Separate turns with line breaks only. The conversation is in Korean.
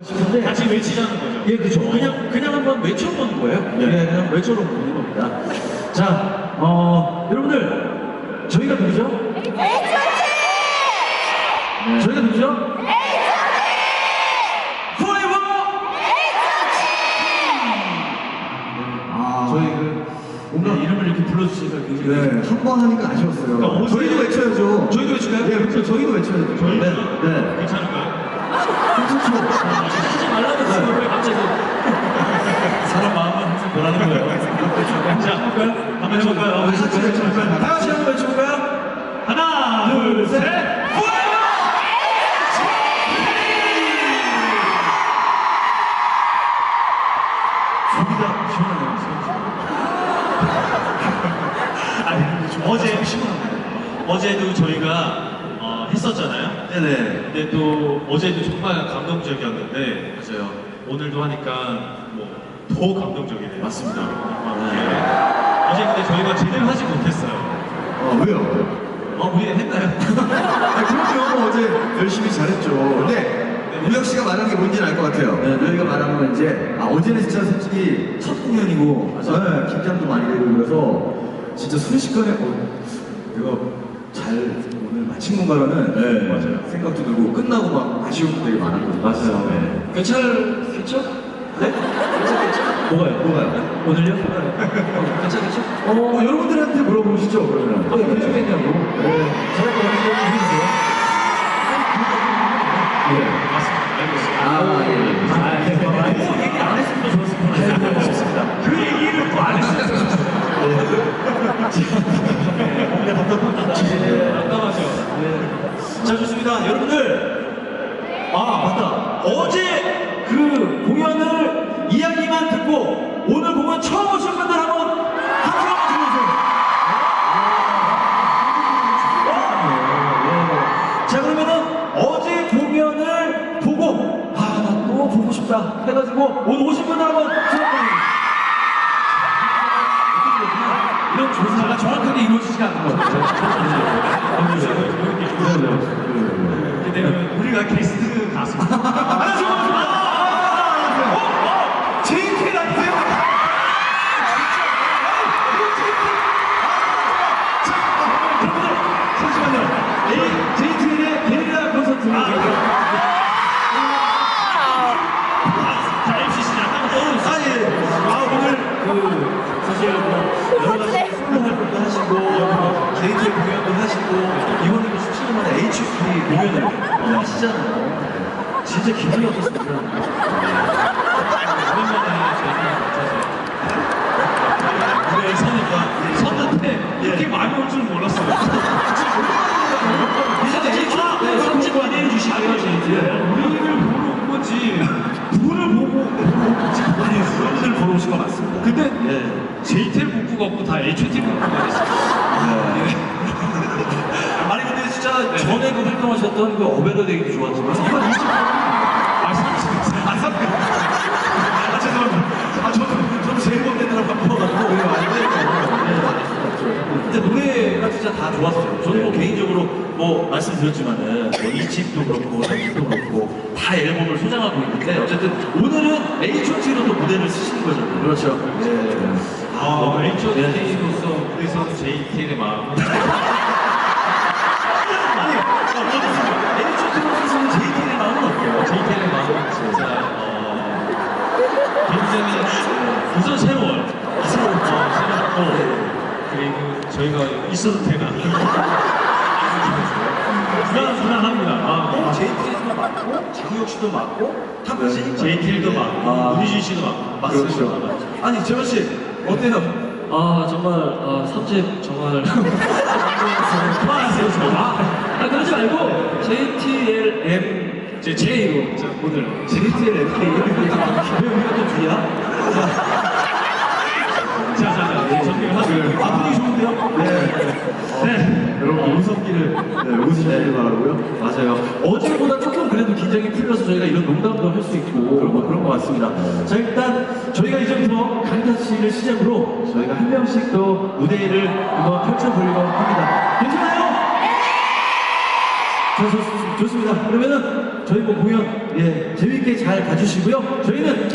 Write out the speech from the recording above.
근데
같이 외치자는 거죠.
예, 그죠. 그냥 한번 외쳐보는 거예요. 네, 그냥 외쳐보는 겁니다. 자, 여러분들 저희가 누구죠?
H.O.T!
저희가 누구죠?
H.O.T!
Forever!
저희
뭔가 이름을 이렇게 불러주시니까 굉장히
네, 한 번 하니까 아쉬웠어요.
그러니까
저희도 외쳐야죠.
저희도 외쳐요?
네, 그렇죠. 저희도 외쳐야죠.
저희
네. 네.
괜찮을까요?
괜찮죠.
하지 말라고 했어요. 왜 갑자기
사람 마음은 항상 변하는 거예요. 자, 해볼까요? 한번 해볼까요?
다 같이 한번 외쳐볼까요?
하나, 둘, 셋!
저기가 시원하네요.
아니, 어제도 저희가 했었잖아요.
네네.
근데 또 어제도 정말 감동적이었는데 맞아요. 오늘도 하니까 뭐 더 감동적이네요.
맞습니다.
어제 근데 저희가 제대로 하지 못했어요.
왜요?
우리 했나요?
그럼요. 어제 열심히 잘했죠. 근데 우혁 씨가 말한 게 뭔지는 알 것 같아요.
네.
저희가 말한 건 이제 어제는 진짜 솔직히 첫 공연이고 네, 긴장도 많이 되고 그래서 진짜 순식간에 내가 잘 오늘 마친 건가라는
네, 맞아요.
생각도 들고 끝나고 막 아쉬운 거 되게 많았거든요.
맞아요.
네.
괜찮겠죠? 네? 괜찮겠죠? 뭐가요? 오늘요? 괜찮겠죠?
여러분들한테 물어보시죠, 그러면.
괜찮겠냐고. 잘할 것 같은 거 해주세요.
맞습니다. 알겠습니다.
얘기 안 했으면 좋았을 것 같아요. 싶습니다.
그 얘기를 또 안 했어요. 깜깜하죠.
자, 좋습니다. 여러분들. 맞다. 어제 그 공연을 이야기만 듣고 오늘 공연 처음 오신 분들 한번 박수 한번 주세요. 자, 그러면은 어제 공연을 보고 나 또 보고 싶다 해가지고 오늘 오신 분들 한번 주세요. 이런 조사가 정확하게 이루어지지 않는 것 같아요.
왜냐면 우리가 게스트 가수.
JK 아니세요? 여러분들 잠시만요. JK의 게릴라 콘서트.
자, MC 시작.
오늘 사실 여러 가지 솔로 활동도 하시고 JK 공연도 하시고 이번에도 17년 만에 HOT 공연을 하시잖아요. 진짜 기분이 어떻습니까?
오랜만에 저희가 무대에 서니까 섰는데 이렇게 많이 올 줄 몰랐어요.
이제 선지 관리해 주시고요, JK.
우리를 보러 온 거지. 누구를 보고 온지 모르겠어요.
여러분들 보러 오신 거 맞습니다.
근데 JTL 복구가 없고 다 HOT 복구가 됐어요.
아니 근데 진짜 전에 그 활동하셨던 그 어베더 데이도 좋았지만 이번 20번 죄송합니다. 저도 제일 못 되느라 바빠가지고 근데 노래가 진짜 다 좋았어요. 저는 뭐 개인적으로 뭐 말씀드렸지만은 뭐 2집도 그렇고 3집도 그렇고 다 앨범을 소장하고 있는데 어쨌든 오늘은 H.O.T로 또 무대를 쓰시는 거잖아요. 그렇죠.
HOT로서 무대에서는 JTL의 마음은
H.O.T로서는 JT의 마음은 어때요?
JTL의 마음은 진짜 굉장히 우선 새로워요. 새롭고 그리고 저희가 있어도 되나 불안합니다.
JT도 맞고 장우혁 씨도 맞고 다 맞으니까
JTL도 맞고 문희준 씨도 맞고
맞습니다. 아니 재원 씨 어때요?
정말 3집 정말 그만하세요 그러지 말고 JTLM J로 오늘
JTLMK 왜 우리가 또 B야? 분위기 좋은데요?
네. 여러분 웃음기를 웃으시길 바라고요.
맞아요. 어제보다 조금 그래도 긴장이 풀려서 저희가 이런 농담도 할 수 있고 그런 것 같습니다. 자 일단 저희가 이제부터 강타 씨를 시작으로 저희가 한 명씩 또 무대를 한번 펼쳐보려고 합니다. 괜찮아요? 좋습니다. 그러면은 저희 뭐 공연 예 재밌게 잘 봐주시고요. 저희는